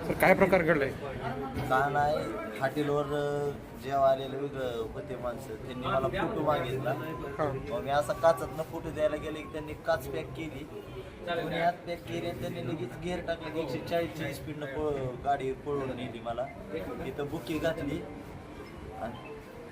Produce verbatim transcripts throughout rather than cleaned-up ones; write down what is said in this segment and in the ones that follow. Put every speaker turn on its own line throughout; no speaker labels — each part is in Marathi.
तर काय प्रकार घडलाय?
का नाही हॉटेलवर जेव्हा आलेले वेगळं होते माणसं त्यांनी मला फोटो मागितला. मग मी असा काचातनं फोटो द्यायला गेले की त्यांनी काच पॅक केली, दोन्ही हात पॅक केले आणि त्यांनी लगेच गेअर टाकले की एकशे चाळीसची स्पीडनं पळ गाडी पळवून नेली. मला इथं बुकी घातली आणि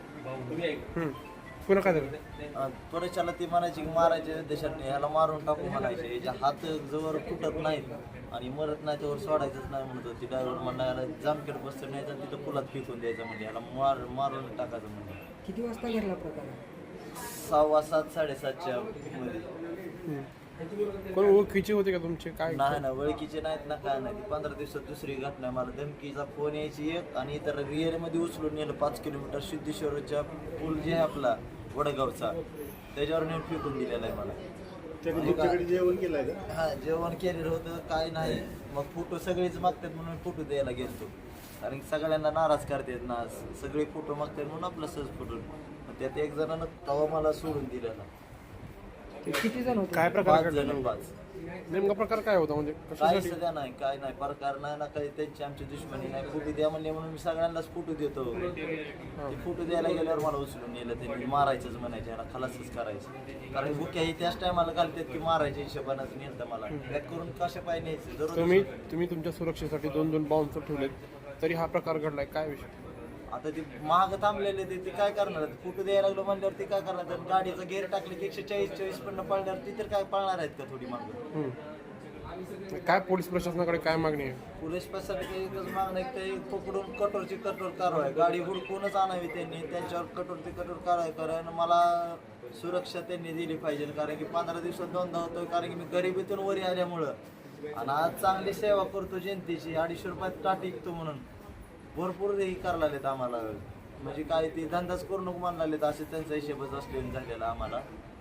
पुन्हा काय झालं?
त्वरेच्याला ती म्हणायची की मारायचे देशात ह्याला मारून टाकू म्हणायचे, याच्या हात जवळ फुटत नाहीत आणि मरत नाही त्यावर सोडायचंच नाही म्हणत होती. ड्रायव्हर म्हणला याला जामखेड बसतं न्यायचं तिथं पुलात फेकून द्यायचं म्हणजे याला मार मारून टाकायचं म्हणजे.
किती वाजता घडला प्रकार?
सहावा सात साडेसातच्या मध्ये.
कोण ओळखीचे होते का तुमचे? काय
नाही ना ओळखीचे नाहीत ना काय नाही. पंधरा दिवसात दुसरी घटना. मला धमकीचा फोन यायची एक आणि इतर रिअरमध्ये उचलून नेलं पाच किलोमीटर सिद्धेश्वरच्या पूल जे आहे आपला वडगावचा त्याच्यावर नेऊन फेकून दिलेला आहे मला.
जेवण केलं
हा जेवण केलेलं होतं काय नाही. मग फोटो सगळेच मागतात म्हणून फोटो द्यायला गेलतो, कारण की सगळ्यांना नाराज करतात ना, सगळे फोटो मागतात म्हणून आपला सहज फोटो. त्यात एक जणांना तवा मला सोडून दिलेला.
किती जण होते?
काय प्रकार
पाच
घडला?
जण पाच.
नेमका प्रकार काय होता म्हणजे
काही
कशासाठी?
सध्या नाही काय नाही प्रकार नाही ना काही. त्यांची आमची दुश्मनी नाही. फोटो द्या म्हणले म्हणून मी सगळ्यांनाच फोटो देतो. ते फोटो द्यायला गेल्यावर मला उचलून नेलं. त्यांनी मारायचंच म्हणायचे, याला खलासच करायचं. कारण बुक्या ही त्याच टायमाला घालतात की मारायच्या हिशोबानंच नेलं मला. पॅक करून कशा पाय न्यायचं दररोज.
तुम्ही तुम्ही तुमच्या सुरक्षेसाठी दोन दोन बाउन्सर ठेवलेत तरी हा प्रकार घडलाय, काय विषय?
आता ते महाग थांबलेले ते ते काय करणार? फोटो द्यायला लागलो म्हणल्यावर ते काय करणार? गाडीचं गेअर टाकले की एकशे चाळीस चाळीस पण पळणार ती तर काय पळणार आहेत का थोडी मागं?
काय पोलीस प्रशासनाकडे काय मागणी आहे?
पोलीस प्रशासनाची एकच मागणं आहे की ते पकडून कठोरची कठोर कारवाई, गाडी हुडकूनच आणावी त्यांनी, त्यांच्यावर कठोरची कठोर कारवाई कारण मला सुरक्षा त्यांनी दिली पाहिजे. कारण की पंधरा दिवसात दोनदा होतो, कारण की मी गरिबीतून वरी आल्यामुळं आणि आज चांगली सेवा करतो जनतेची. अडीचशे रुपयात टाट विकतो म्हणून भरपूर हे करायला लागलेत आम्हाला. म्हणजे काय ते धंदाच करू नको म्हणायला लागलेत, असे त्यांचा हिशेबच असलेला झालेला आम्हाला.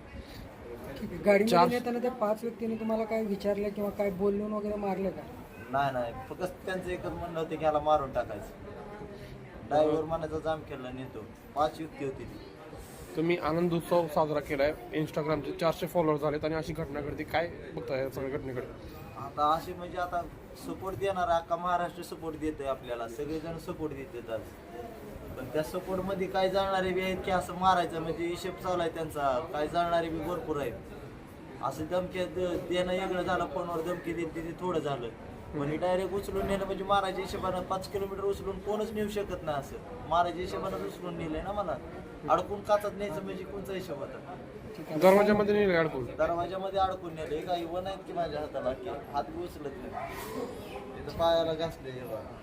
गाडीमध्ये येताना त्या पाच व्यक्तींनी तुम्हाला काय विचारलं किंवा काय बोलून वगैरे मारलं का?
नाही नाही फक्त त्यांचं एकच म्हणणं होतं की ह्याला मारून टाकायचं. ड्रायव्हर मनाचा जाम केला नेतो. पाच व्यक्ती होती ती.
तुम्ही आनंद उत्सव साजरा केलाय, इंस्टाग्रामचे चारशे फॉलोअर झालेत आणि अशी घटना घडते, काय बघताय या सगळ्या घटनेकडे?
आता असे म्हणजे आता सपोर्ट देणार अख्खा महाराष्ट्र सपोर्ट देतोय आपल्याला, सगळेजण सपोर्ट देतात आज. पण त्या सपोर्ट मध्ये काय जाणारे बी आहेत की असं मारायचं म्हणजे हिशेब चालू आहे त्यांचा. काय जाणारे बी भरपूर आहेत. असं धमकी देणं वेगळं झालं, फोनवर धमकी देत ते थोडं झालं. म्हणजे डायरेक्ट उचलून नेलं म्हणजे मारायच्या हिशेबानं पाच किलोमीटर उचलून कोणच नेऊ शकत नाही. असं मारायच्या हिशेबानं उचलून नेलंय ना मला. अडकून काचत न्यायचं म्हणजे कोणचा हिशोब होता?
दरवाजामध्ये नेले अडकून?
दरवाजामध्ये अडकून नेले. काही वन आहेत की माझ्या हाताला की हात बी उचलत नाही. इथं पायाला घासले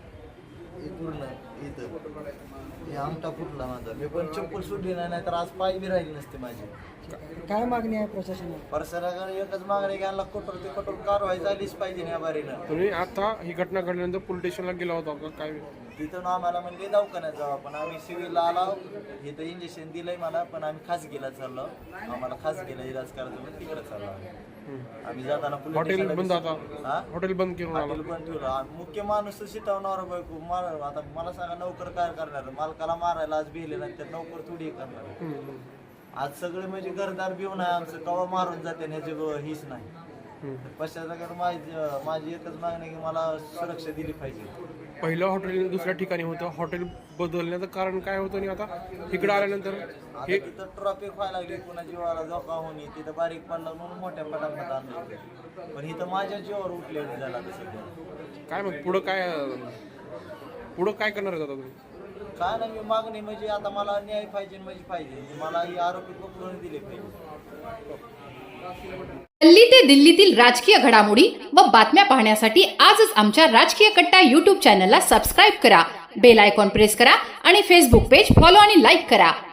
पूर्ण इथं हे आमटा फुटला माझा. मी पण चप्पल सुटली नाही, नाही तर आज पाय बी राहिली नसते माझी.
काय मागणी आहे प्रशासनाला?
प्रशासनाकडे एकच मागणी घ्यायला कठोर ते कठोर कारवाई झालीच पाहिजे या बारीनं.
तुम्ही आता ही घटना घडल्यानंतर पोलीस स्टेशनला गेला होता का काय?
तिथून आम्हाला म्हणजे दवाखान्यात जाऊ, पण आम्ही सिव्हिलला आलो. इथं इंजेक्शन दिलंय मला, पण आम्ही खासगीला चाललो. आम्हाला खासगीला इलाज करायचं म्हणून तिकडे चाललो आम्ही. जाताना
हॉटेल बंद, आता
हा
हॉटेल बंद केलं.
हॉटेल बंद ठेवलं. मुख्य माणूस शिटवणार बायको मार. आता मला सांगा नोकर काय करणार? मालकाला मारायला आज भिले नाही तर नोकर थोडी करणार. आज सगळे म्हणजे घरदार भिवून आहे आमचं, कवा मारून जाते ह्याची हीच नाही. पश्चात माझी माझी एकच मागणी आहे की मला सुरक्षा दिली पाहिजे.
पहिलं हॉटेल दुसऱ्या ठिकाणी होतं, हॉटेल बदलण्याचं कारण काय होतं आणि आता इकडे आल्यानंतर
हे तिथं ट्रॉफिक व्हायला लागली, पुन्हा जीवाला धोका होणे, तिथं बारीक पडला म्हणून मोठ्या पटापट आणलं. पण इथं माझ्या जीवावर उठलेलं झाला तसं.
काय मग पुढं काय पुढं काय करणार आहे आता तुम्ही?
काय नाही मी मागणी म्हणजे आता मला न्याय पाहिजे म्हणजे पाहिजे. मला ही आरोपी पकडून दिले पाहिजे.
दिल्ली ते दिल्लीतील राजकीय घडामोडी व बातम्या पाहण्यासाठी आजच आमच्या राजकीय कट्टा यूट्यूब चॅनलला सबस्क्राईब करा, बेल आयकॉन प्रेस करा आणि फेसबुक पेज फॉलो आणि लाईक करा.